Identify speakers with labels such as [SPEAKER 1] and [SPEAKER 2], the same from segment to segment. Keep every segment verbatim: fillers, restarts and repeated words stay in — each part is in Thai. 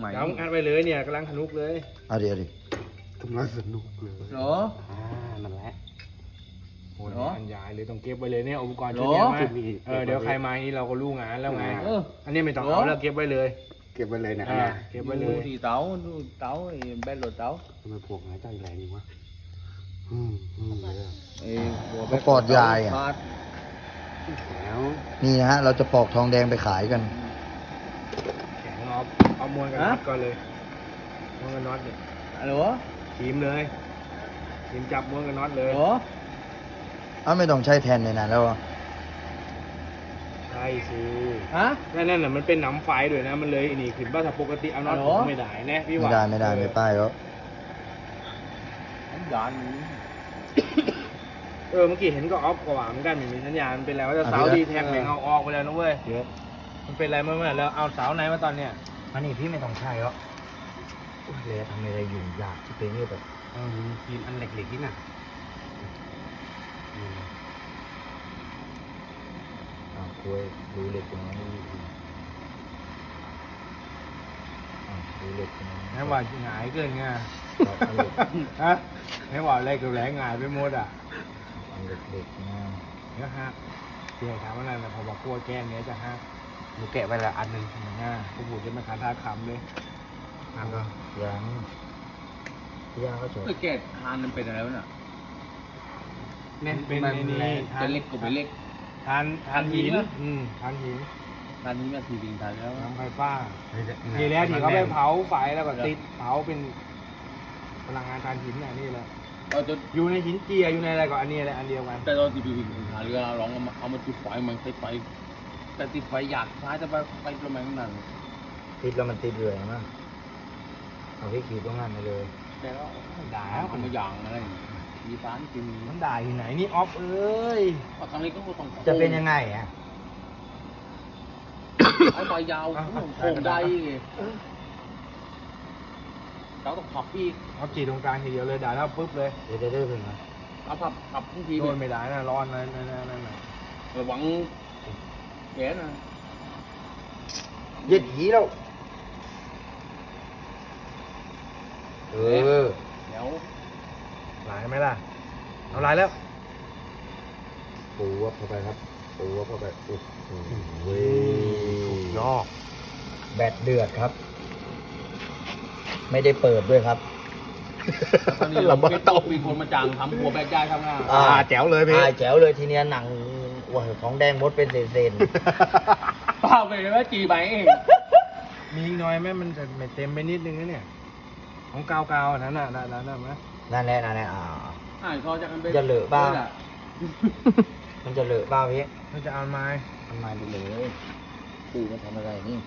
[SPEAKER 1] ม่
[SPEAKER 2] เดี๋ยวงัดไปเลยเนี่ยกำลังสนุกเลย
[SPEAKER 3] เอาดิเอาดิ
[SPEAKER 4] กำลังสนุกเลย
[SPEAKER 1] เหรอ
[SPEAKER 4] อ่านั่นแหละ
[SPEAKER 2] โอ้ย
[SPEAKER 1] เหรอ
[SPEAKER 2] อันยายเลยต้องเก็บไว้เลยเนี่ยอุปกรณ์
[SPEAKER 1] เหร
[SPEAKER 2] ชุ
[SPEAKER 1] อ
[SPEAKER 2] ดเนี้ยมา
[SPEAKER 4] ชุดนี้
[SPEAKER 2] เออเดี๋ยวใครมานี่เราก็รู้งานแล้วไง
[SPEAKER 1] เออ
[SPEAKER 2] อันนี้ไม่ต้อง
[SPEAKER 1] เหรอ
[SPEAKER 2] เอาแล้วเก็บไว้เลย
[SPEAKER 4] เก็บไว้เลยนะ
[SPEAKER 2] อ่าเก็บไว้เลย
[SPEAKER 1] ดูที่เต๋าดูเต๋าไอ้แบนรถเต๋า
[SPEAKER 4] ทำไมพวกนายใจแรงนี่วะอืมอืมเลยอะ
[SPEAKER 1] ไอ้หัว
[SPEAKER 3] เขาปอดยายอ่ะ
[SPEAKER 1] ขาด
[SPEAKER 4] แล้ว
[SPEAKER 3] นี่นะฮะ เราจะปอกทองแดงไปขายกัน
[SPEAKER 2] แข็งเอาเอามวนกันน็อตก่อนเลยมวนกันน็อตเนี่ย
[SPEAKER 1] อะไรวะ
[SPEAKER 2] ทีมเลยทีมจับมวนกันน็อตเลย
[SPEAKER 1] เหรอ
[SPEAKER 3] อ้าวไม่ต้องใช้แทนในนั้นแล้วอะ
[SPEAKER 2] ใช่สิ
[SPEAKER 1] ฮะ
[SPEAKER 2] นั่นนั่นน่ะมันเป็นหนำไฟด้วยนะมันเลยไอ้นี่ขึ้นบ้าถ้าปกติเอาน็อต
[SPEAKER 1] อ๋อ
[SPEAKER 2] ไม่ได้นะพี่
[SPEAKER 3] ไม่
[SPEAKER 2] ว่า
[SPEAKER 3] ได้ไม่ได้ไม่ป้ายแล้ว
[SPEAKER 1] ผมด่าน
[SPEAKER 2] เออเมื่อกี้เห็นก็ออฟกว่าเหมือนกันไม่มีสัญญาณมันเป็นอะไรว่าจะเสาดีแท็กแม่งเอาออกไปแล้วนะเว้ย
[SPEAKER 3] เยอะ
[SPEAKER 2] มันเป็นอะไรเมื่อเมื่อแล้วเอาเสาไหนมาตอนเนี้ย
[SPEAKER 3] อันนี้พี่ไม่ต้องใช้แล้วเลยทำอะไรอยู่ยากที่เป็นนี่แบบ
[SPEAKER 4] เออทีมอันเหล็กๆนี่น่ะอืม
[SPEAKER 3] อ้าวคุยดูเหล็กตรงนั้นอ้าวดูเหล็กตรงนั้น
[SPEAKER 2] ให้ว่าหงายเกินไง
[SPEAKER 3] ครับเอาเหล็ก
[SPEAKER 2] ฮะให้ว่าอะไรกับแหลงหงายไปหมดอ่ะ
[SPEAKER 3] เอาเหล็กเหล็กนะ
[SPEAKER 2] เดี๋ยวฮะเดี๋ยวถามว่าอะไรนะพอบอกกลัวแก้เนี้ยจะฮะ
[SPEAKER 4] หนูแกะไว้ละอันหนึ่ง
[SPEAKER 2] ง่าผู้บุตรจะมาขาท่าคำเลยทำก็
[SPEAKER 3] ยังย่างก็จบ
[SPEAKER 1] ไอ้แกะทานมันเป็นอะไรวะน่ะ
[SPEAKER 2] เนี่ยเป็นในนี้ทา
[SPEAKER 1] จะ
[SPEAKER 2] น
[SPEAKER 1] เล็กก็ไปเล็ก
[SPEAKER 2] ทานทานหิน
[SPEAKER 1] ทานหินเหรอ
[SPEAKER 2] อืมทานหิน
[SPEAKER 1] ทานนี้มาทีดิงทานแล้ว
[SPEAKER 2] น้ำไฟฟ้า
[SPEAKER 4] เฮ้ยเนี่ย
[SPEAKER 2] ทีแล้วที่เขาไป
[SPEAKER 4] มันแน่น
[SPEAKER 2] เผาไฟแล้วก็ติดเผาเป็นพลังงานทานหินน่ะนี่แหละ
[SPEAKER 1] เราจะ
[SPEAKER 2] อยู่ในหินเจียอยู่ในอะไรก็อันนี้แหละอันเดียวกัน
[SPEAKER 1] แต่ตอนที่ไปวิ่งหาเรือลองเอามาเอามาจุดไฟมันติดไฟแต่ติดไฟอยากซ้ายจะไปไปประมาณนั้น
[SPEAKER 3] ติดแล้วมันติดเลยมั้งเอาพี่ขีดตรงนั้นไปเลย
[SPEAKER 1] แต่แล้ว
[SPEAKER 2] ด่า
[SPEAKER 1] ทำมาอย่างอะไรมีสารกิน
[SPEAKER 2] มันด่าที่ไหนนี่ออฟเอ้ย
[SPEAKER 1] ว่าทางนี้ก็ต้อง
[SPEAKER 3] จะเป็นยังไงอ่ะ
[SPEAKER 1] เอาใบยาวโค้งได้เราต้องขับอีก
[SPEAKER 2] ออฟจีตรงกลางทีเดียวเลยด่าแล้วปุ๊บเลย
[SPEAKER 3] เดี๋ยวได้เรื่องนะ
[SPEAKER 1] เอาขับขับทุกที
[SPEAKER 2] โดนไม่ได้นะร้อนนะนั่นนั่นนั่นน่ะ
[SPEAKER 1] ระวังแขนนะ
[SPEAKER 3] เย็ดหีแล้วเออ
[SPEAKER 1] เดี๋ยว
[SPEAKER 2] หลายไหมล่ะเอาหลายแล้ว
[SPEAKER 3] ปูวับเข้าไปครับปูวับเข้าไปโอ้โหเว้ย
[SPEAKER 4] ยอก
[SPEAKER 3] แบตเดือดครับ ไม่ได้เปิดด้วยครับ
[SPEAKER 1] ตอนนี้เราไม่ต้องมีคนมาจ้างทำหัวแบกย้ายทำงาน
[SPEAKER 3] อ่า
[SPEAKER 4] แจ๋วเลยพี่
[SPEAKER 3] อ่าแจ๋วเลยทีเนี้ยหนังว้าวของแดงมดเป็นเศษ
[SPEAKER 1] เปล่าไปเลยว่าจีใบเอง
[SPEAKER 2] มีอีกหน้อยไหมมันจะไม่เต็มไปนิดนึงนะเนี่ยของกาวกาวๆอันนั้นน่ะนั่นนั่นนั่นไหม
[SPEAKER 3] ๆนั่นแหละนั่นแหละอ่า
[SPEAKER 1] อ่านเขาจะกันไป
[SPEAKER 3] จะเหลือบ้าง มันจะเลอะบ้าพี่
[SPEAKER 2] มันจะเอาไม้
[SPEAKER 3] ทำไมไปเลยปูมาทำอะไรนี่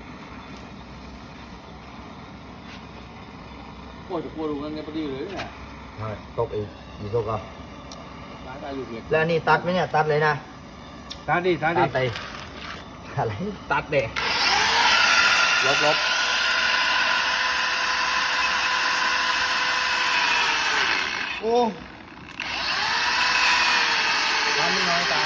[SPEAKER 1] โอ้จะกลัวดูกันไงพอดีเลยเนี่ย
[SPEAKER 3] เอาตกอีกอีกตกอ่ะ
[SPEAKER 1] ตายตายอยู่เล็ก
[SPEAKER 3] แล้วอันนี่ตัดไหมเนี่ยตัดเลยนะ
[SPEAKER 2] ตาดิตาดิ
[SPEAKER 3] ตัดไปอะไร
[SPEAKER 2] ตัดเด็ลบลบ
[SPEAKER 3] โอ้
[SPEAKER 2] ทำนิดหน่อยสาว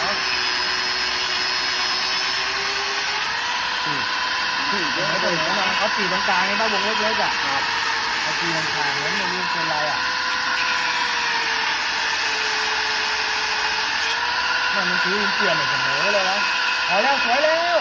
[SPEAKER 2] ไม่เป็นไรนะเขาตีตรงกลางนี่ถ้าวงเล็กๆอ่ะครับเขาตีตรงกลางแล้วมันไม่เป็นไรอ่ะมันมันซื้อเปลี่ยนเสมอเลยนะเอาแล้วสวยแล้ว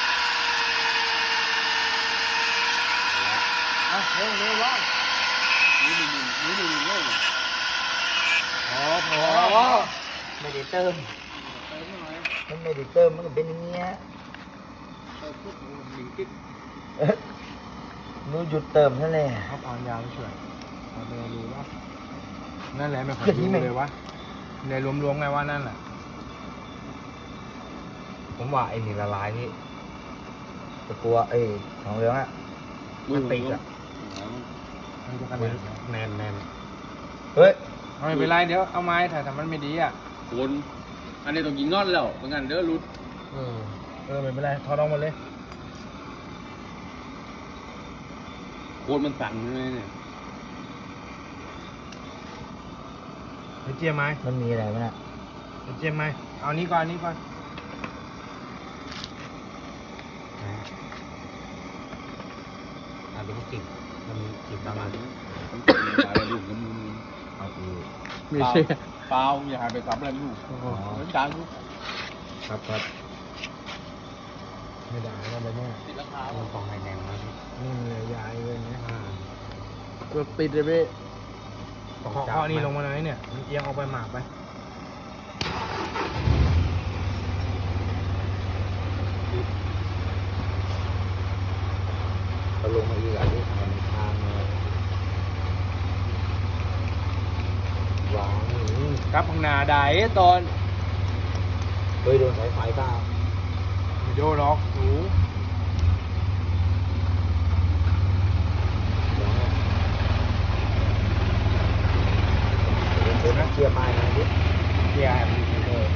[SPEAKER 2] อ่ะเร็วเร็วร้อน
[SPEAKER 1] นี่ดูนี่ดูนี่ดู
[SPEAKER 2] พอพอ
[SPEAKER 3] ไม่ได้เติม
[SPEAKER 1] ไปหน่อย
[SPEAKER 3] มันไม่ได้เติมมันก็เป็นอย่างเงี้ย
[SPEAKER 1] ไปปุ๊บหนึ่งกิ๊ก
[SPEAKER 3] เอ๊ะหนูหยุดเติมนั่นแหละ
[SPEAKER 2] เขาปอนยาวไม่ช่วยเอาไปดูว่านั่นแหละไม่ค่อยรู้เลยวะในรวมๆไงว่านั่นแหละ
[SPEAKER 3] ผมว่าไอ้นี่ละลายนี่ตะกัวไอ้ของเหลืองอ่ะมันติดอ่ะ
[SPEAKER 2] มันจะขนาดไหน
[SPEAKER 4] แน่นแน่น
[SPEAKER 3] เฮ้ย
[SPEAKER 2] เอาไม่เป็นไรเดี๋ยวเอาไม้ถ่ายแต่มันไม่ดีอ่ะ
[SPEAKER 1] คนอันนี้ต้องยิงนอนแล้วเป็นงั้นเด้อรุด
[SPEAKER 2] เออเออไม่เป็นไรถอดออกหมดเลย
[SPEAKER 1] โคตรมันสั่นเลยเนี่ย
[SPEAKER 2] เดี๋ยวเจียมไหม
[SPEAKER 3] มันมีอะไรมั้ยน่ะ
[SPEAKER 2] เดี๋ยวเจียมไหมเอานี้ก่อนอันนี้ก่อน
[SPEAKER 4] อัน
[SPEAKER 2] จะมากินมันกิน
[SPEAKER 1] ตา
[SPEAKER 2] ตาม ม
[SPEAKER 1] มา
[SPEAKER 2] มา
[SPEAKER 1] ถึงตายแล้วลูกกับมือ
[SPEAKER 3] เอาอีก
[SPEAKER 2] ไม่ใช่
[SPEAKER 1] เปล่าอย่าหายไปทำอะไรลูก
[SPEAKER 2] โอ้โห
[SPEAKER 1] เหมือนกันลูก
[SPEAKER 3] ครับครับ
[SPEAKER 2] ไม่ได้แล้วไปเนี่ย
[SPEAKER 1] ติดราคา
[SPEAKER 2] มันต้องให้แนงมาพี่
[SPEAKER 5] นี่มันเลยยายเลยเนี่ย
[SPEAKER 2] อ่า
[SPEAKER 5] ตัวติดเลยพี่
[SPEAKER 2] ต้อง
[SPEAKER 5] เคาะ
[SPEAKER 2] จับ
[SPEAKER 5] เคาะนี่
[SPEAKER 2] ไหม
[SPEAKER 5] ลงมาเลยเนี่ยมันเอียงออกไปหมากไป
[SPEAKER 3] เอาลงมาอีกอ่ะที่มันทางมาวางอืม
[SPEAKER 5] กลับข้างหน้าได้ตอน
[SPEAKER 3] เฮ้ยโดนสายไฟเปล่า
[SPEAKER 5] วิดีโอล็อกสูง
[SPEAKER 3] เดี๋ยวนะเดี๋ยวเดี๋ยวนะเคลียร์ไม้หนะดิ
[SPEAKER 5] เกียร์มันเออ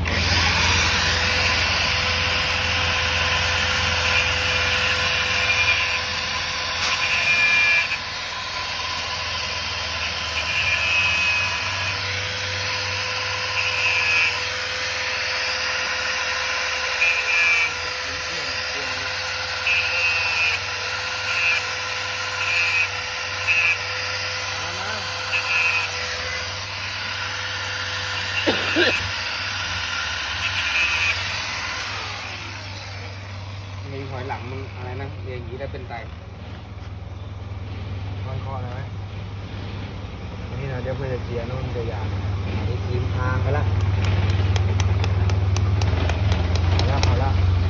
[SPEAKER 2] มีหอยหลังมึงอะไรนะเรียงอย่างนี้ได้เป็นไต
[SPEAKER 5] มันเคาะเลยไหมนี่นะเดี๋ยวเพื่อจะเกียร์นู่นจะยาง
[SPEAKER 3] อันนี้ทีมทางไปละ
[SPEAKER 5] เอาละเอาละ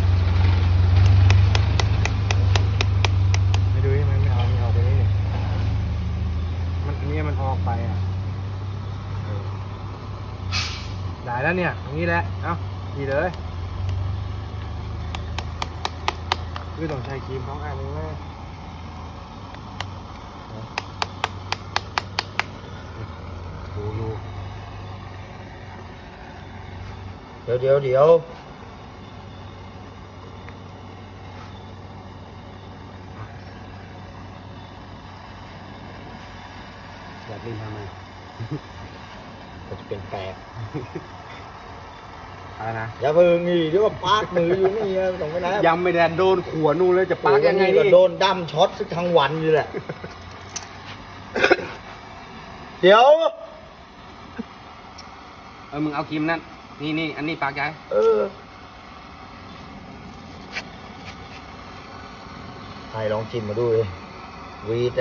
[SPEAKER 5] ไม่ดูที่มันไม่เอาไม่เอาไปนี่เนี่ยมันอันนี้มันออกไปอ่ะเออได้แล้วเนี่ยอย่างนี้แหละเอ้าขี่เลยคือต้องใช้ครีมของอันนี้ไหม
[SPEAKER 2] ดูดู
[SPEAKER 3] เดี๋ยวเดี๋ยวเดี๋ยว
[SPEAKER 2] แบบนี้ทำไม
[SPEAKER 3] ก็จะเป็นแปลก
[SPEAKER 2] อะไรนะ
[SPEAKER 3] อย่าเพิ่งนี่เดี๋ยวก็ปาดมืออยู่นี่นะต้องไปไหน
[SPEAKER 2] ยังไม่แดนโดนขวนู่นเลยจะปักยังไง
[SPEAKER 3] ก็
[SPEAKER 2] นี่
[SPEAKER 3] โดนดั้มช็อตสักทั้งวันอยู่แหละ เดี๋ยว
[SPEAKER 2] เออมึงเอาครีมนั่นนี่นี่อันนี้ปากย้าย
[SPEAKER 3] เออใครลองชิมมาดูเลยวีดแนะ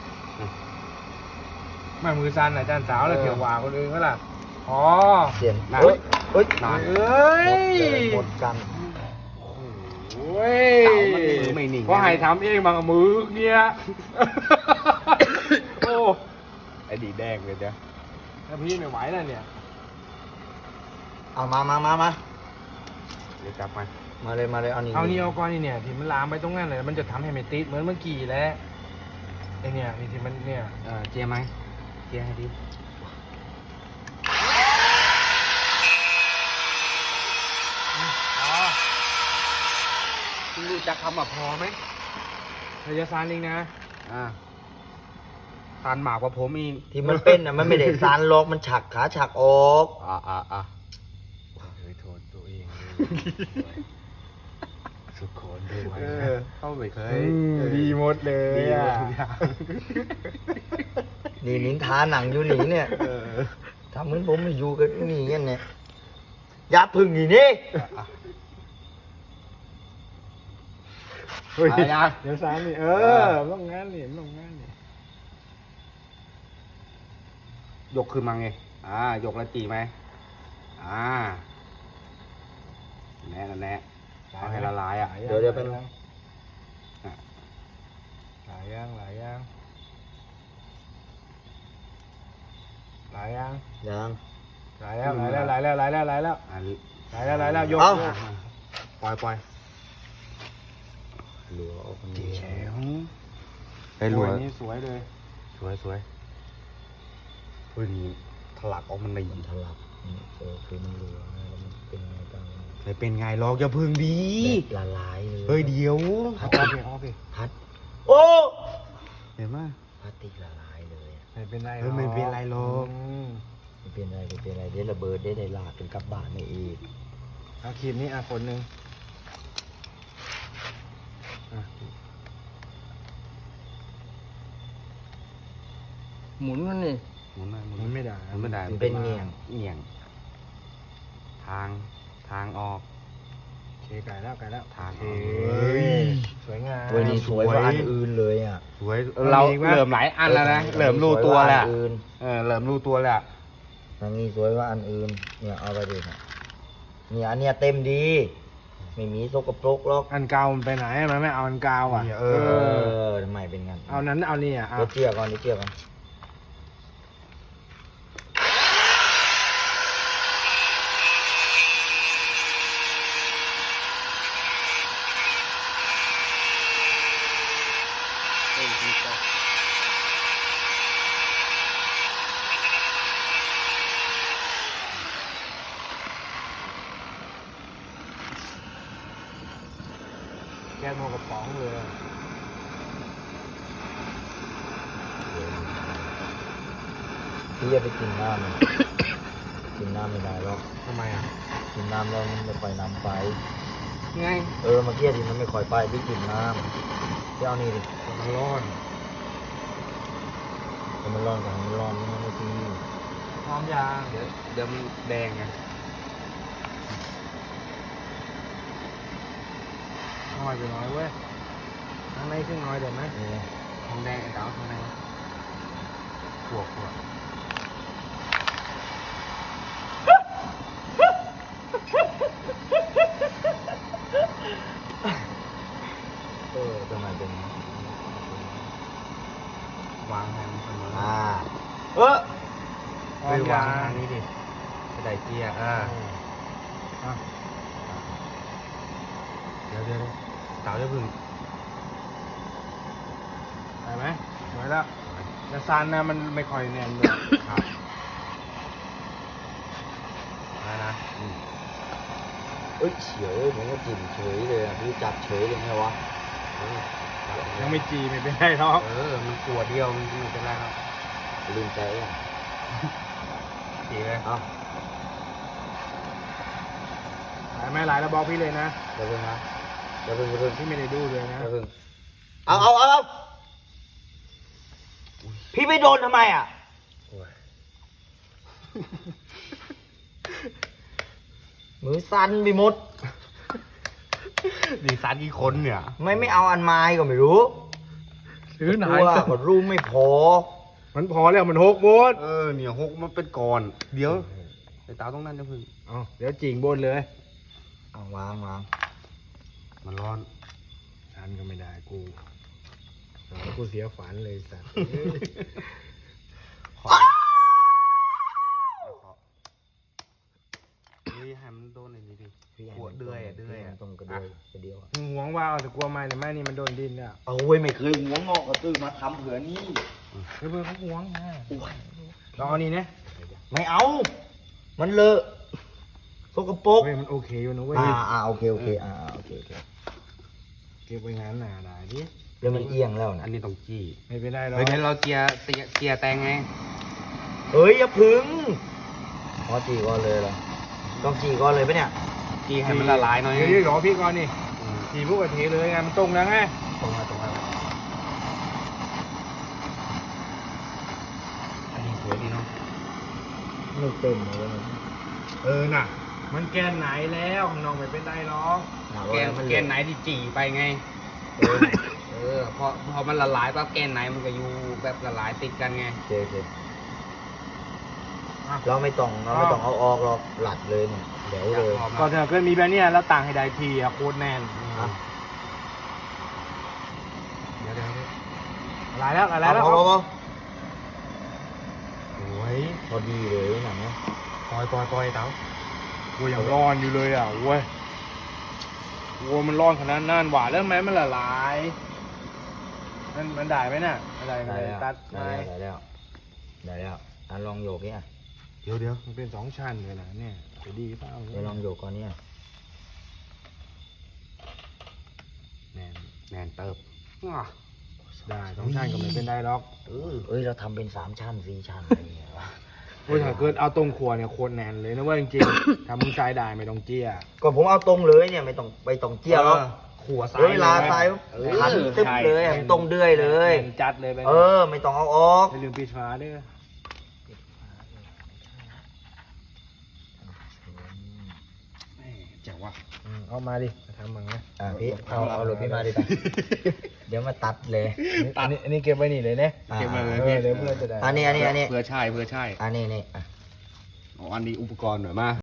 [SPEAKER 5] ไม่มือสั่นอาจารย์สาวเลยเขียวหวาคนอื่นก็ล่ะอ๋อ
[SPEAKER 3] เสียง
[SPEAKER 2] หนัก
[SPEAKER 3] เฮ้ยเฮ้ย
[SPEAKER 2] หนัก
[SPEAKER 5] เอ้ย
[SPEAKER 3] หมดกัน
[SPEAKER 5] โอ้ย
[SPEAKER 2] เต่ามันมือไม่หนิ่ง
[SPEAKER 5] ก็ให้ทำเองบางมือเนี่ย โอ้
[SPEAKER 2] ไอ้ดีแดงเลยเดี๋ยว
[SPEAKER 5] แล้วพี่ไม่ไหวแล้วเนี่ย
[SPEAKER 3] เอามามามามา
[SPEAKER 2] เดี๋ยวจับมา
[SPEAKER 3] มาเลยมาเลยเอานี่
[SPEAKER 5] เอานี่เอาก้อนนี่เนี่ยที่มันลามไปตรงนั้นเลยมันจะทำให้ไม่ติดเหมือนเมื่อกี้แล้วไอเนี่ยนี่ที่มันเนี่ย
[SPEAKER 2] เออเจียไหมเจียให้ดิคุณรู้จักคำว่าพอไหม
[SPEAKER 5] ระยะซานลิงนะ
[SPEAKER 2] อ่าทานหมากกว่าผมอีก
[SPEAKER 3] ที่มันเป็นอ่ะมันไม่ได้ซานล็อกมันฉักขาฉักออก
[SPEAKER 2] อ่าอ่าอ่า
[SPEAKER 5] เคยโทษตัวเองสุดโคนด้วย
[SPEAKER 2] เออเข้าไม่เคย
[SPEAKER 5] ดีหมดเลย
[SPEAKER 2] ดีหม
[SPEAKER 5] อะ
[SPEAKER 2] ดทุกอย่าง
[SPEAKER 3] นี่นินทาหนังอยู่หนีเนี่ย
[SPEAKER 2] เออ
[SPEAKER 3] ทำเหมือนผมไม่อยู่กันนี่เงี้ยเนี่ยอย่าพึ่งนี่นี่
[SPEAKER 5] เฮ้ย
[SPEAKER 2] อะไรนะ
[SPEAKER 5] เดี๋ยวซานนี่เออต้องงานนี่ต้องงานนี่
[SPEAKER 2] ยกขึ้นมาไงอ่ายกแล้วจีไหมอ่าแน่นแน่เอาให้ละลายอ่ะ
[SPEAKER 3] เดี๋ยวเดี๋ยวไป
[SPEAKER 5] หลายอย่างหลายอย่างหลายอย่าง
[SPEAKER 3] ยัง
[SPEAKER 5] หลายแล้วหลายแล้วหลายแล้วหลายแล้วหลายแล้ว
[SPEAKER 2] อันนี้
[SPEAKER 5] หลายแล้วหลายแล้วยก
[SPEAKER 3] เอ้า
[SPEAKER 5] ยก
[SPEAKER 2] ปล่อยปล่อย
[SPEAKER 3] เหลือเอาคนเดี
[SPEAKER 2] แฉ
[SPEAKER 3] ยว
[SPEAKER 2] วไอ้หลวย
[SPEAKER 5] โอ้ยนี่สวยเลย
[SPEAKER 2] สวยสวยเฮ้ยนี่ถลักออกมันใน
[SPEAKER 3] มันทะลักนี่เออคือมันเหลือแล้วมันเป็นไงบ้าง
[SPEAKER 2] ไม่เป็นไงหรอกอย่าพึ่งดี
[SPEAKER 3] แบบละลายเลย
[SPEAKER 2] เฮ้ยเดี๋ยว
[SPEAKER 5] เอาโอเคเอาโอเค
[SPEAKER 3] พัดโอ้
[SPEAKER 2] เห็นไหม
[SPEAKER 3] พลาสติกละลายเลยอะ
[SPEAKER 5] ไม่เป็นไร
[SPEAKER 2] เออไม่เป็นไรหรอก
[SPEAKER 5] ม
[SPEAKER 3] ไม่เป็นไรไม่เป็นไรเดี๋ยวระเบิดได้ได้ลากเป็นกลับบ้านไม่อีก
[SPEAKER 5] เอาครีมนี้อ่ะคนหนึ่งอ่ะ
[SPEAKER 2] หมุนมันนี่
[SPEAKER 4] หมุนได้หมุน
[SPEAKER 5] มันไม่ได้
[SPEAKER 4] หมุนไม่ได้
[SPEAKER 3] มันเป็นเงี่ยง
[SPEAKER 4] เงี่ยง ทางทางออก
[SPEAKER 5] โอเคไก่แล้วไก่แล้ว
[SPEAKER 4] ทาง
[SPEAKER 5] โอ
[SPEAKER 4] อ
[SPEAKER 5] เค
[SPEAKER 4] อกเฮ้ย
[SPEAKER 5] สวยงาม
[SPEAKER 3] เว้ยนี่สวยกว่าอันอื่นเลยอ่ะ
[SPEAKER 4] สวย
[SPEAKER 5] มัน
[SPEAKER 4] เรา
[SPEAKER 5] มีอีกไหม
[SPEAKER 4] เหลิมหลายอันแล้วนะเหลิมรู้ตัวแล้ว
[SPEAKER 3] สยกาอันอื่น
[SPEAKER 4] เออเหลิมรู้ตัวแล้ว
[SPEAKER 3] ทางนี้สวยกว่าอันอื่นเนี่ยเอาไปดิเนี่ยเนี่ยอันเนี้ยเต็มดี ไม่มีสกปรกหรอก
[SPEAKER 5] อันเก่ามันไปไหนมันไม่เอาอันเก่าอ่ะ
[SPEAKER 4] เนี่ย
[SPEAKER 5] เอ
[SPEAKER 4] เอ
[SPEAKER 3] เอ
[SPEAKER 5] อ
[SPEAKER 3] อทำไมเป็นงั้น
[SPEAKER 5] เอานั้นเอานี่อ่ะเอา
[SPEAKER 3] เดี๋ยวเทียบก่อนเดี๋ยวเทียบก่อน
[SPEAKER 5] แก้โมกระป๋องเลยอะ
[SPEAKER 3] พี่จะไปกินน้ำมัน กินน้ำไม่ได้หรอก
[SPEAKER 5] ทำไมอ่ะ
[SPEAKER 3] กินน้ำแล้วมันไม่ค่อยน้ำไป
[SPEAKER 5] ไง
[SPEAKER 3] เออเมื่อกี้ที่มันไม่ค่อยไปพี่กินน้ำพี่เอานี่ดิ
[SPEAKER 5] มันร้อน
[SPEAKER 3] ให้มันร้อนก่อนให้มันร้อนมันไม่ที
[SPEAKER 5] พร้อมยาง
[SPEAKER 4] เดี๋ยวเดี๋ยวมันแดงไง
[SPEAKER 5] น้อยไปน้อยเว้ยข้างในขึ้นน้อยเดี๋ยวไหม
[SPEAKER 3] นี่ไง
[SPEAKER 4] ทองแดงไอ้เต๋าทองแดงขวบขวบ
[SPEAKER 3] เออทำไมเป็นงั้น
[SPEAKER 4] วางให้มันเสมอ
[SPEAKER 3] อ่าเออ
[SPEAKER 5] พร้อ
[SPEAKER 4] เฮ้
[SPEAKER 5] ม
[SPEAKER 4] ยวาย
[SPEAKER 5] าง ง
[SPEAKER 4] ทางนี้ดิกระไดเกียร์อ่า
[SPEAKER 5] อ่ะ
[SPEAKER 4] เดี๋ยวเดี๋ยวเต๋าจะพึ่ง
[SPEAKER 5] ได้ไหมสวยแล้วแต่ซานนะมันไม่ค่อยแน่นด้วย
[SPEAKER 4] ครับแล้วนะอืม
[SPEAKER 3] เอ้ยเฉยผมก็กินเฉยเลยอ่ะพี่จับเฉยเลยไงวะ
[SPEAKER 4] เออจับ
[SPEAKER 5] ยังไม่จีไม่เป็นไรหรอก
[SPEAKER 4] เออมันขวดเดียวมันไม่เป็นไรครับ
[SPEAKER 3] ลืมใจอ่ะ
[SPEAKER 4] ดีเลย
[SPEAKER 3] เอา
[SPEAKER 5] หลายไหมหลายแล้วบอกพี่เลยนะ
[SPEAKER 3] เดี๋ยวเพิ่งนะเดี๋ยวเพิ่งเดี๋ยวเพิ่ง
[SPEAKER 5] พี่ไม่ได้ดูเลยนะ
[SPEAKER 3] เดี๋ยวเพิ่งเอาเอาเอาเอาพี่ไม่โดนทำไมอ่ะ
[SPEAKER 4] โอ้ย
[SPEAKER 3] มือสั่นไปหมด
[SPEAKER 4] ดีซันกี่คนเนี่ย
[SPEAKER 3] ไม่ไม่เอาอันไม้ก็ไม่รู้
[SPEAKER 2] ซื้อไหน
[SPEAKER 3] ตัวก็รูไม่พอ
[SPEAKER 5] มันพอแล้วมันหกโบน
[SPEAKER 4] เออเนี่ยหกมันเป็นก่อนเดี๋ยวไอ้เต๋าต้องนั่นจะพึ่ง
[SPEAKER 5] เอาเดี๋ยวจิงบนเลย
[SPEAKER 3] เอาวางวาง
[SPEAKER 4] มันร้อน
[SPEAKER 5] ฉันก็ไม่ได้กูเอากูเสียฝันเลยสัตว์
[SPEAKER 4] เฮ้ยให้มันโดนไอ้นี่ดิ
[SPEAKER 3] พี่
[SPEAKER 4] หัวเดือยอะเดือยอะ
[SPEAKER 3] ต้องกระเดือยกระเดียวอะ
[SPEAKER 5] มึงหวงว่าเอาแต่กลัวไม้แต่ไม้นี่มันโดนดินเนี่ย
[SPEAKER 3] เอาเว้ยไม่เคยหัวงอกกระตื้อมาทำเผื่อนี่
[SPEAKER 5] เพื่อนเขาหวงนะ
[SPEAKER 3] โอ้ย
[SPEAKER 5] ลองเอานี่นะ
[SPEAKER 3] ไม่เอา มันเลอะสกปรก
[SPEAKER 5] เว้ยมันโอเคอยู่นะเว้ย
[SPEAKER 3] อ่าอ่าโอเคโอเคอ่าอ่าโอเคโอเค
[SPEAKER 5] เก็บไว้งานหนาได้ดิ
[SPEAKER 3] แล้วมันเอียงแล้ว
[SPEAKER 4] อั
[SPEAKER 3] นะ
[SPEAKER 4] นนี้ต้องจี้
[SPEAKER 5] ไม่เป็นไรหรอก
[SPEAKER 4] เฮ้ยเดี๋ยวเราเจียเจียเจียแตงไง
[SPEAKER 3] เฮ้ยอย่าพึ่งอ๋อจีก่อนเลยเหรอต้องจีก่อนเลยปะเนี่ย
[SPEAKER 4] จี้ให้มันละลายหน่อย
[SPEAKER 5] เดี๋ยวรอพี่ก่อนนี่
[SPEAKER 4] อืม
[SPEAKER 5] ทีพวกกะเทเลยไงมันตรงแล้วไง
[SPEAKER 4] ตรงมาตรงมาอันนี้สวยดีเนาะ
[SPEAKER 3] ไม่เต็มเลยนะ
[SPEAKER 5] เออน่ะ มันแกนไหนแล้วข้างนอกไม่เป็นไรหรอก
[SPEAKER 3] หา
[SPEAKER 4] แก
[SPEAKER 3] ว่าน มัน
[SPEAKER 4] แกนไหนที่จี่ไปไง
[SPEAKER 3] เออ
[SPEAKER 4] เออพอพอมันละลายปั๊บแกนไหนมันก็อยู่แบบละลายติดกันไง
[SPEAKER 3] โอเคโอเคเราไม่ต้องเราไม่ต้องเอาออกหรอกหลัดเลยเนี่ยเดี๋ยวเลย
[SPEAKER 4] พอมา
[SPEAKER 5] ก็ถ้าเกิดมีแบบเนี้ยแล้วต่างให้ได้ทีอะโคตรแน่น
[SPEAKER 3] อ่ะ
[SPEAKER 4] เดี๋ยวเดี๋ยว
[SPEAKER 5] อะไรแล้วอะไร
[SPEAKER 3] เอา
[SPEAKER 5] แล้ว
[SPEAKER 3] พอพอพอ
[SPEAKER 4] โอ้ย
[SPEAKER 3] พอดีเลยหนังเนี่ย
[SPEAKER 4] ปล่อยปล่อยปล่อยเต๋า
[SPEAKER 5] กูยังร้อนอยู่เลยอ่ะเว้ยวัวมันร้อนขนาดนั้นหวานแล้วไหมมันละลายมันมันได้ไหมน่ะอะไร
[SPEAKER 3] ได้
[SPEAKER 5] อะไร
[SPEAKER 3] แล้ว
[SPEAKER 5] ตัด
[SPEAKER 3] ได้
[SPEAKER 5] ไม้
[SPEAKER 3] แล้วได้แล้วได้แล้วอ่ะลองโยกเนี่ย
[SPEAKER 4] เดี๋ยวเดี๋ยว
[SPEAKER 5] มันเป็นสองชั้นเลยนะเนี่ยจะดีเปล่า
[SPEAKER 3] เดี๋ยวลองโยกก่อนเนี่ย
[SPEAKER 4] แนนแนนเติบอ่ะ
[SPEAKER 5] ได้สองชั้นก็ไม่เป็นไรหรอก
[SPEAKER 3] เออเอ้ยเราทำเป็นสามชั้นสี่ชั้นอะไรอย่างเงี้ยวะ
[SPEAKER 5] โอ้ยถ้าเกิดเอาตรงครัวเนี่ยโคตรแน่นเลยนะเว่าจริงๆ ถ้ามึงใช้ได้ไม่ต้องเจี้ย
[SPEAKER 3] ก็ผมเอาตรงเลยเนี่ยไม่ต้องไปต้องเจียวหรอก
[SPEAKER 4] ค
[SPEAKER 5] ขัวซ้าย
[SPEAKER 3] เดี๋ยวเวลาใส่
[SPEAKER 5] เออ
[SPEAKER 3] พันตึ๊บเลยให้มันตรงเดือยเลย
[SPEAKER 5] แผ่นจัดเลยไป
[SPEAKER 3] เออ ไม่ต้องเอาออก
[SPEAKER 5] อย่าลืมปิดฝาด้วย
[SPEAKER 2] เจ๋งว่ะ
[SPEAKER 5] อืมเอามาดิมาทำมังนะ
[SPEAKER 3] อ่ะพี่เอาเอารถพี่มาดิไปเดี๋ยวมาตัดเลย
[SPEAKER 5] อันนี้อันนี้เก็บไว้นี่เลยเนี่ย
[SPEAKER 3] อ่ะ
[SPEAKER 2] เก็บมาเลย
[SPEAKER 5] เอ
[SPEAKER 2] พี่
[SPEAKER 5] อเดี๋ยวเพื่อนจะได้
[SPEAKER 3] อันนี้อันนี้อันนี้
[SPEAKER 2] เพื่อใช่เพื่อใช่
[SPEAKER 3] อันนี้นี่อ่ะ
[SPEAKER 2] อ๋ออันนี้อุปกรณ์หน่อยมา